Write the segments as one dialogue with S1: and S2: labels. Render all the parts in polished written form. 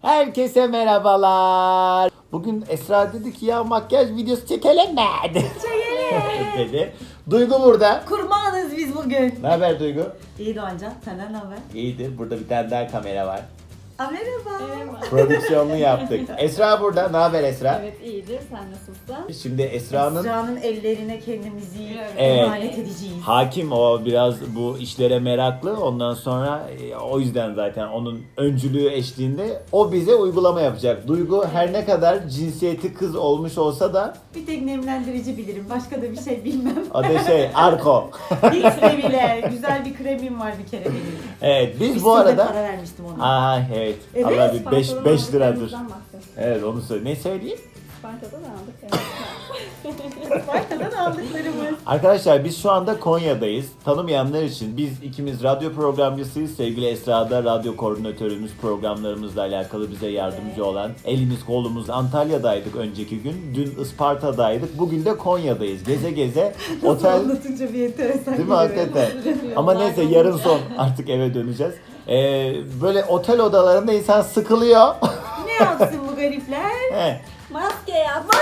S1: Herkese merhabalar. Bugün Esra dedi ki ya makyaj videosu çekelim mi?
S2: Çekelim.
S1: dedi. Duygu burada.
S2: Kurbanız biz bugün.
S1: Ne haber Duygu?
S2: İyi Doğancan, senden ne haber?
S1: İyidir. Burada bir tane daha kamera var.
S2: Merhaba.
S1: Prodüksiyonunu yaptık. Esra burada. Ne haber Esra?
S3: Evet iyidir. Sen nasılsın?
S1: Şimdi Esra'nın
S2: Esra'nın ellerine kendimizi
S1: Evet.
S2: emanet edeceğiz.
S1: hakim, o biraz bu işlere meraklı. Ondan sonra o yüzden zaten onun öncülüğü eşliğinde o bize uygulama yapacak. Duygu her ne kadar cinsiyeti kız olmuş olsa da
S2: Bir tek nemlendirici bilirim. Başka da bir şey bilmem.
S1: o da Arko.
S2: Hiç de bile. Güzel bir kremim var bir kere benim.
S1: Evet biz
S2: Bir
S1: bu
S2: sürü de
S1: arada
S2: para vermiştim ona.
S1: Aha evet.
S2: Evet,
S1: Allah bir 5
S3: Sparta'dan
S1: liradır.
S3: aldıklarımızdan bahset.
S1: Evet onu söyle. Ne söyleyeyim?
S3: Sparta'dan aldık.
S2: Sparta'dan aldıklarımız.
S1: Arkadaşlar biz şu anda Konya'dayız. Tanımayanlar için biz ikimiz radyo programcısıyız. Sevgili Esra da radyo koordinatörümüz, programlarımızla alakalı bize yardımcı olan. Elimiz kolumuz Antalya'daydık önceki gün. Dün Isparta'daydık. Bugün de Konya'dayız. Geze geze otel.
S2: Anlatınca bir enteresan
S1: Değil mi hakikaten? Ama neyse yarın son artık eve döneceğiz. Böyle otel odalarında insan sıkılıyor.
S2: Ne yapsın bu garipler?
S1: He.
S3: Maske yaptı.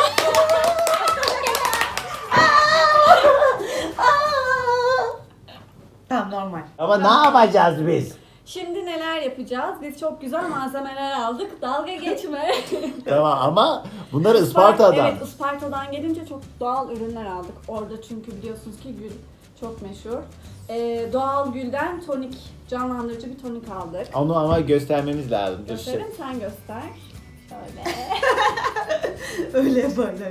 S2: Tamam normal.
S1: Ama ne yapacağız biz?
S3: Şimdi neler yapacağız? Biz çok güzel malzemeler aldık. Dalga geçme.
S1: Tamam ama bunları Isparta'dan.
S3: Evet, Isparta'dan gelince çok doğal ürünler aldık. Orada çünkü biliyorsunuz ki gül çok meşhur. Doğal gülden tonik, canlandırıcı bir tonik aldık.
S1: Onu ama göstermemiz lazım.
S3: Gösterin, sen göster. Şöyle.
S2: Öyle yaparlar.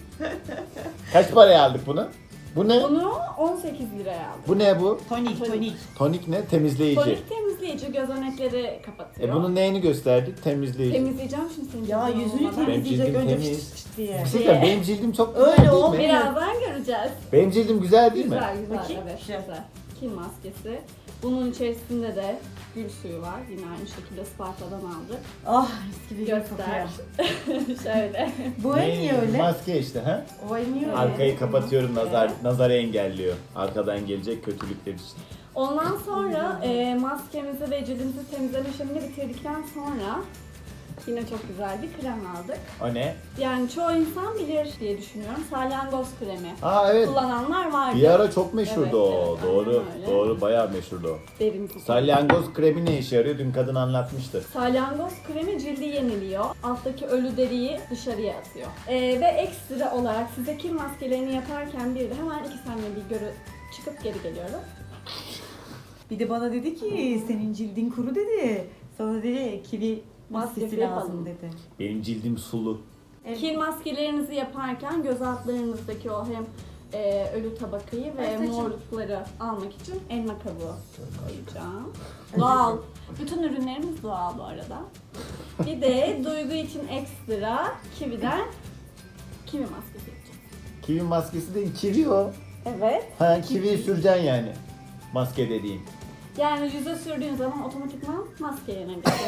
S1: Kaç paraya aldık bunu? Bu ne?
S3: Bunu 18 liraya aldık.
S1: Bu ne bu?
S2: Tonik, tonik.
S1: Tonik ne? Temizleyici.
S3: Tonik temizleyici, gözenekleri kapatıyor.
S1: Bunun neyini gösterdik? Temizleyici.
S3: Temizleyeceğim şimdi senin
S2: Ya
S3: cildini
S2: yüzünü
S3: olmadan.
S2: temizleyecek
S1: cildim
S2: önce
S1: temiz.
S2: fıs fıs fıs diye.
S1: Bir şey diyeyim, benim cildim çok güzel
S2: Öyle
S1: değil mi?
S2: olmuyor.
S3: Birazdan göreceğiz.
S1: Benim cildim güzel değil mi?
S3: Güzel güzel,
S2: Bakayım.
S3: evet
S2: Güzel.
S3: güzel. Kil maskesi. Bunun içerisinde de gül suyu var. Yine aynı şekilde Sparta'dan aldık.
S2: Ah mis gibi
S3: Göster.
S2: kokuyor.
S3: Şöyle.
S2: Bu el niye öyle?
S1: Maske işte ha.
S2: O el niye öyle?
S1: Arkayı kapatıyorum, nazarı engelliyor. Arkadan gelecek kötülükler için.
S3: Ondan sonra maskemizi ve cildimizi temizleme işlemini bitirdikten sonra yine çok güzel bir krem aldık.
S1: O ne?
S3: Yani çoğu insan bilir diye düşünüyorum. Salyangoz kremi.
S1: Aa evet.
S3: Kullananlar vardı.
S1: Bir ara çok meşhurdu
S3: Evet,
S1: o.
S3: evet,
S1: Doğru.
S3: aynen öyle.
S1: Doğru, bayağı meşhurdu o.
S3: Derimizi
S1: Salyangoz kremi ne işe yarıyor? Dün kadın anlatmıştı.
S3: Salyangoz kremi cildi yeniliyor. Alttaki ölü deriyi dışarıya atıyor. Ve ekstra olarak size kil maskelerini yaparken bir de hemen 2 saniye bir çıkıp geri geliyorum.
S2: Bir de bana dedi ki senin cildin kuru dedi. Sana dedi kivi maskesi
S3: Maskesi
S2: lazım
S3: yapalım.
S2: dedi.
S1: Benim cildim sulu.
S2: Evet.
S3: Kil maskelerinizi yaparken göz altlarınızdaki o hem ölü tabakayı ve
S2: Ay, saçım.
S3: morlukları almak için elma kabuğu koyacağım. Doğal. Bütün ürünlerimiz doğal bu arada. Bir de Duygu için ekstra kividen kivi maskesi yapacağım.
S1: Kivi maskesi de kivi o.
S3: Evet.
S1: Ha kivi süreceksin yani. Maske dediğin.
S3: Yani yüze sürdüğün zaman otomatikman maske yenebiliyor.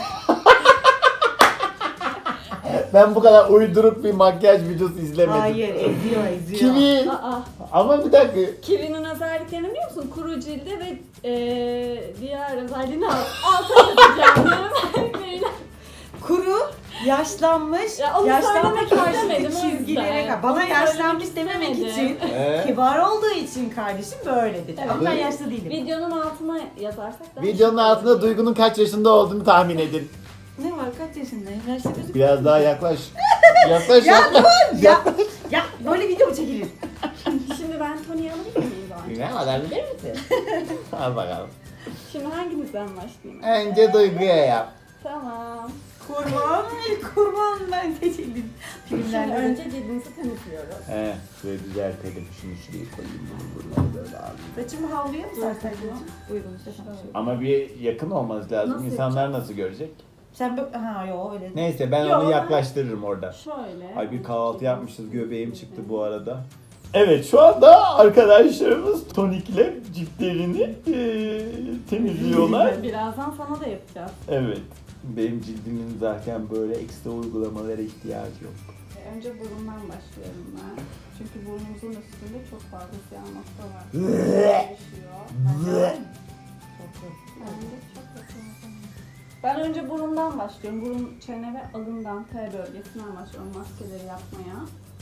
S1: Ben bu kadar uydurup bir makyaj videosu izlemedim.
S2: Hayır eziyor eziyor.
S1: Kivi.
S3: Aa,
S1: Ama bir dakika.
S3: kivinin özelliklerini biliyor musun? Kuru cilde ve diğer özelliğini alta yazacağım.
S2: Kuru, yaşlanmış,
S3: Ya onu
S2: yaşlanma
S3: söylemek
S2: karşıtı
S3: istemedim, o
S2: çizgilere
S3: yüzden.
S2: bana
S3: Onu
S2: yaşlanmış
S3: söylemek
S2: dememek
S3: istemedim.
S2: için kibar olduğu için kardeşim böyle dedi.
S3: Evet.
S2: Ama ben yaşlı değilim.
S3: Videonun altına yazarsak da
S1: Videonun altında Duygu'nun kaç yaşında olduğunu tahmin edin.
S2: Ne var kaç yaşındayım? Yaşlı gözüküyor.
S1: Biraz daha yaklaş. Yaklaş
S2: Ya
S1: yaklaş.
S2: dur ya. Ya böyle video mu çekilir?
S3: Şimdi ben Tony'yi alabilir miyim Doğan?
S1: Ne kadar bilir misin? Al bakalım.
S3: Şimdi hangimizden başlayayım?
S1: Önce Duygu'ya yap.
S3: Tamam.
S2: Kurban ben seçildim.
S3: Şimdi
S2: Filmlerde.
S3: önce cildimizi temizliyoruz.
S1: He, şöyle düzeltelim. Şunu şuraya koyayım. Bunu böyle alayım.
S2: Saçımı havluya mı sarsaydın? Uygun işte.
S1: Ama bir yakın olması lazım.
S3: Nasıl
S1: İnsanlar nasıl görecek?
S2: Sen böyle... Ha yok öyle.
S1: Neyse ben
S3: Yo,
S1: onu yaklaştırırım orada.
S3: Şöyle.
S1: Ay bir kahvaltı yapmışız. Göbeğim çıktı bu arada. Evet şu anda arkadaşlarımız tonikle ciltlerini temizliyorlar.
S3: Birazdan sana da yapacağız.
S1: Evet. Benim cildimin zaten böyle ekstra uygulamalara ihtiyacı yok.
S3: Önce burundan başlıyorum ben. Çünkü burnumuzun üstünde çok fazla siyah nokta var.
S1: Bleh.
S3: Düşüyor.
S1: Bleh.
S3: Bence çok yakın. Ben önce burundan başlıyorum. Burun, çene ve alından, T bölgesinden başlıyorum maskeleri yapmaya.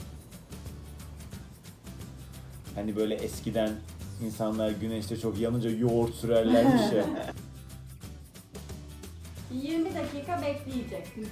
S1: Hani böyle eskiden insanlar güneşte çok yanınca yoğurt sürerlermiş ya.
S3: 20 dakika bekleyecek.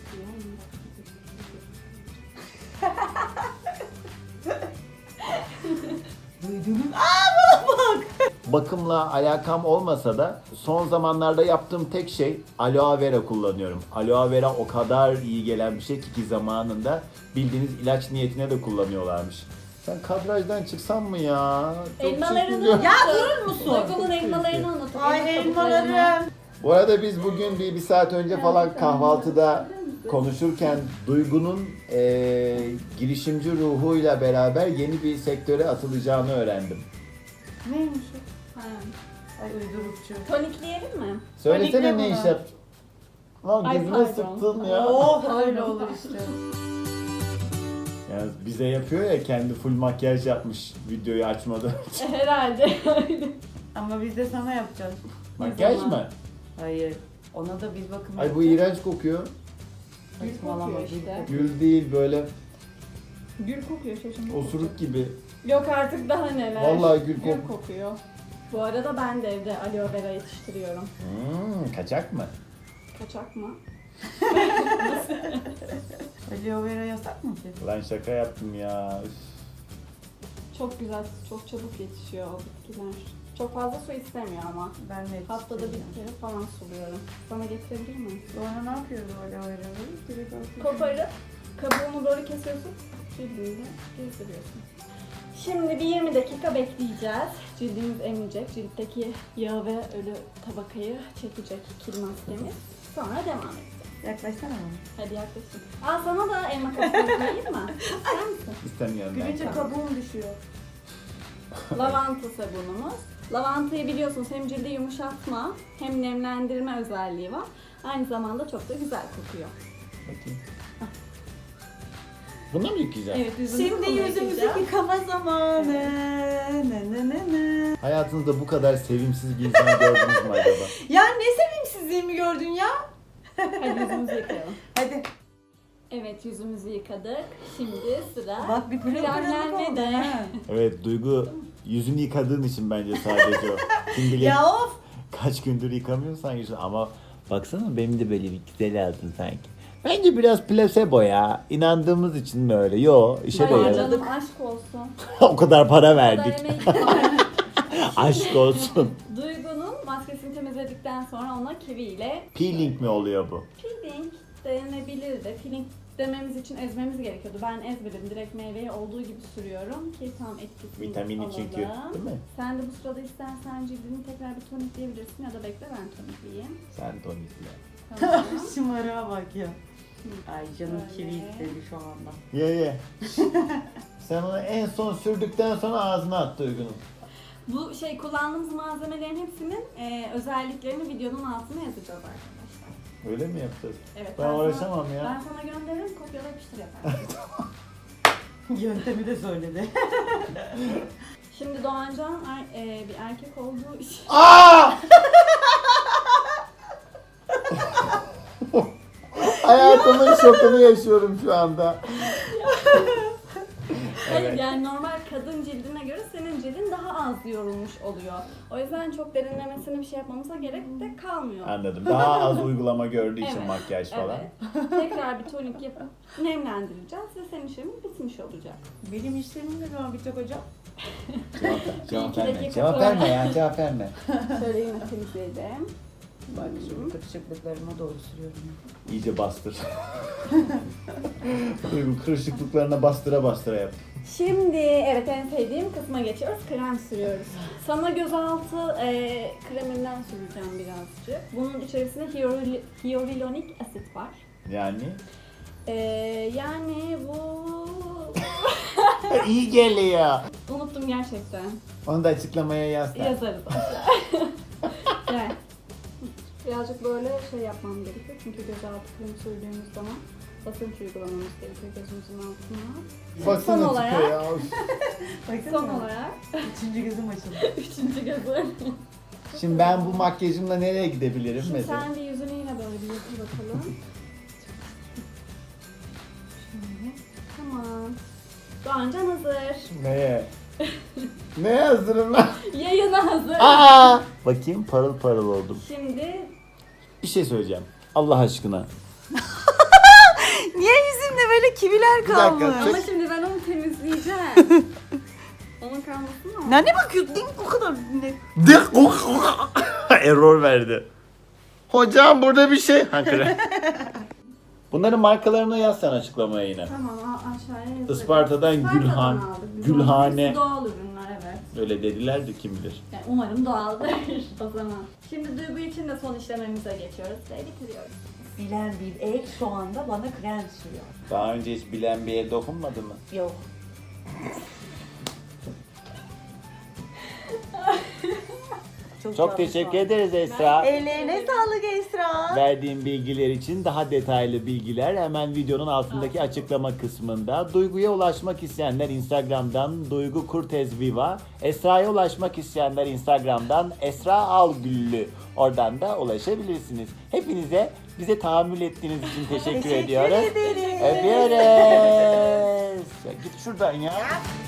S2: Duydunuz.
S1: Bakımla alakam olmasa da son zamanlarda yaptığım tek şey aloe vera kullanıyorum. Aloe vera o kadar iyi gelen bir şey ki zamanında bildiğiniz ilaç niyetine de kullanıyorlarmış. Sen kadrajdan çıksan mı ya? Çok
S3: Elmalarını
S1: çekiliyor.
S2: Ya durur musun?
S3: Duygu'nun elmalarını anlatın.
S2: Ay elmalarım.
S1: Bu arada biz bugün bir saat önce falan kahvaltıda konuşurken Duygu'nun girişimci ruhuyla beraber yeni bir sektöre atılacağını öğrendim.
S2: Neymiş o?
S3: Ha.
S2: Ay uydurukçu.
S3: Tonikleyelim mi?
S1: Söylesene
S2: Panikle
S1: ne
S2: bunu.
S1: iş yap? Lan
S3: Ay,
S1: gözüne
S3: pardon.
S1: sıktın ya.
S2: Oh öyle olur işte.
S1: Yani bize yapıyor ya, kendi full makyaj yapmış videoyu açmadan.
S3: Herhalde.
S2: Ama biz de sana yapacağız.
S1: Makyaj
S3: zaman?
S1: mı?
S2: Hayır. Ona da biz bakım
S1: Ay bu
S2: yapacağız.
S1: iğrenç kokuyor.
S3: Gül
S2: Saçmalama,
S3: kokuyor
S2: gül
S3: işte.
S2: kokuyor.
S1: Gül değil, böyle
S3: Gül kokuyor şaşırma.
S1: osuruk gibi.
S3: Yok artık daha neler.
S1: Vallahi gül
S3: Gül kokuyor. Bu arada ben de evde aloe vera yetiştiriyorum.
S1: Kaçak mı?
S3: Kaçak mı?
S2: Aloe vera yasak mı ki?
S1: Lan şaka yaptım ya. Üf.
S3: Çok güzel, çok çabuk yetişiyor o bitkiler. Çok fazla su istemiyor ama.
S2: Ben de
S3: Haftada bir
S2: yetiştireceğim.
S3: kere falan suluyorum. Sana getirebilir miyim?
S2: Sonra ne yapıyoruz o aloe vera'yı? Direkt atıyoruz.
S3: Koparıp kabuğunu böyle kesiyorsun. Cildini gezdiriyorsun. Şimdi bir 20 dakika bekleyeceğiz. Cildimiz emecek. Ciltteki yağ ve ölü tabakayı çekecek kil maskemiz. Sonra devam edeceğiz.
S2: Yaklaşsana bana.
S3: Hadi yaklaşın. Aa sana da elma kabuğu koyayım mı? İster misin?
S1: İstemiyorum ben.
S2: Gülünce kabuğum düşüyor.
S3: Lavanta sabunumuz. Lavantayı biliyorsunuz hem cildi yumuşatma hem nemlendirme özelliği var. Aynı zamanda çok da güzel kokuyor.
S1: Bakayım. Bunu mu yıkayacağım?
S3: Evet, yüzümüzü
S2: Şimdi
S3: bununla
S2: yüzümüzü
S3: yıkayacağız.
S2: yıkama zamanı. Ne.
S1: Hayatınızda bu kadar sevimsiz bir insan gördünüz mü acaba?
S2: Ya ne sevimsizliğimi gördün ya?
S3: Hadi yüzümüzü yıkayalım.
S2: Hadi.
S3: Evet, yüzümüzü yıkadık. Şimdi sıra
S2: Bak bir pırıl pırıllık
S3: kremlenme
S2: oldu.
S3: de.
S2: ha.
S1: Evet Duygu, yüzünü yıkadığın için bence sadece o. Kim bilir
S2: Ya of.
S1: kaç gündür yıkamıyorsan yüzünü, ama baksana benim de böyle bir güzel aldın sanki. Bence biraz plasebo ya. İnandığımız için mi öyle? Yo, işe de
S3: Ay
S1: yarar.
S3: canım aşk olsun.
S1: O kadar para
S3: Bu kadar
S1: verdik.
S3: emek var.
S1: Aşk olsun.
S3: Duygu'nun maskesini temizledikten sonra ona kivi ile
S1: Peeling mi oluyor bu?
S3: peeling denebilirdi. Peeling dememiz için ezmemiz gerekiyordu. Ben ezmedim. Direkt meyveyi olduğu gibi sürüyorum ki tam etkisini
S1: Vitamini
S3: alalım.
S1: çünkü, değil mi?
S3: Sen de bu sırada istersen cildini tekrar bir tonikleyebilirsin ya da bekle ben tonikleyeyim.
S1: Sen tonikle.
S3: Tamam.
S2: Şımarığa bak ya. Ay canım
S3: Böyle.
S2: kivi istedi şu anda.
S1: Ye. Sen onu en son sürdükten sonra ağzına at Duygu'nun.
S3: Bu kullandığımız malzemelerin hepsinin özelliklerini videonun altına yazacağız arkadaşlar.
S1: Öyle mi yapacağız?
S3: Evet.
S1: Ben uğraşamam ya.
S3: Ben sana gönderirim, kopyala yapıştır yaparsın.
S2: Yöntemi de söyledi.
S3: Şimdi Doğancan bir erkek olduğu için
S1: Aa! Hayatımın şokunu yaşıyorum şu anda.
S3: hayır
S1: Evet.
S3: yani normal kadın cildine göre senin cildin daha az yorulmuş oluyor. O yüzden çok derinlemesine bir şey yapmamıza gerek de kalmıyor.
S1: Anladım. Daha az uygulama gördüğü için
S3: Evet,
S1: makyaj falan.
S3: Evet. Tekrar bir tonik yapıp nemlendireceğiz ve senin işlemin bitmiş olacak.
S2: Benim işlemim ne zaman bitecek hocam?
S1: Cevap
S3: İki
S1: verme.
S3: dakika
S1: Cevap
S3: sonra.
S1: verme ya, cevap verme.
S3: Şöyle yine temizleyelim.
S2: Bak şimdi kırışıklıklarıma doğru sürüyorum.
S1: İyice bastır. Duygu kırışıklıklarına bastıra yap.
S3: Şimdi evet en sevdiğim kısma geçiyoruz. Krem sürüyoruz. Sana gözaltı kreminden süreceğim birazcık. Bunun içerisinde hyaluronik asit var.
S1: Yani
S3: Yani bu...
S1: iyi geliyor.
S3: Unuttum gerçekten.
S1: Onu da açıklamaya yaz.
S3: Yazarız. Yani birazcık böyle yapmam gerekiyor. Çünkü gözaltı kremi sürdüğümüz zaman basınç uygulamamız gerekiyor gözümüzün altına.
S1: Basın
S3: Son
S1: açık
S3: olarak-
S1: ya.
S2: Baksana.
S3: Son olarak
S2: Üçüncü gözüm açıldı.
S3: üçüncü gözü.
S1: Şimdi ben bu makyajımla nereye gidebilirim
S3: Şimdi
S1: mesela?
S3: sen de yüzünü yine böyle bir bakalım. Tamam. Doğancan hazır.
S1: Neye? Neye hazırım lan?
S3: Yayına hazır.
S1: Aa! Bakayım parıl parıl oldum.
S3: Şimdi
S1: Bir şey söyleyeceğim. Allah aşkına.
S2: Niye yüzümde böyle kiviler
S1: dakika,
S2: kalmış?
S3: ama şimdi ben onu temizleyeceğim. Onun kalmasın mı?
S2: Ne bakıyorsun? Değil mi? O kadar ne?
S1: Error verdi. Hocam burada bir şey. Bunların markalarını yaz sen açıklamaya yine.
S3: Tamam aşağıya yazıyorum.
S1: Isparta'dan Gülhan.
S3: aldık. Biz
S1: Gülhane.
S3: hepsi doğal ürünler evet.
S1: Öyle dediler de kim bilir.
S3: Yani umarım doğaldır o zaman. Şimdi Duygu için de son işlememize geçiyoruz ve bitiriyoruz.
S2: Bilen bir el şu anda bana krem sürüyor.
S1: Daha önce hiç bilen bir el dokunmadı mı?
S2: Yok.
S1: Çok teşekkür ederiz Esra.
S2: Ellerine sağlık Esra.
S1: Verdiğim bilgiler için daha detaylı bilgiler hemen videonun altındaki açıklama kısmında. Duygu'ya ulaşmak isteyenler Instagram'dan Duygu Kurtez Viva, Esra'ya ulaşmak isteyenler Instagram'dan Esra Algüllü. Oradan da ulaşabilirsiniz. Hepinize bize tahammül ettiğiniz için teşekkür ediyoruz.
S2: ederiz.
S1: Öpüyoruz. Ya git şuradan ya.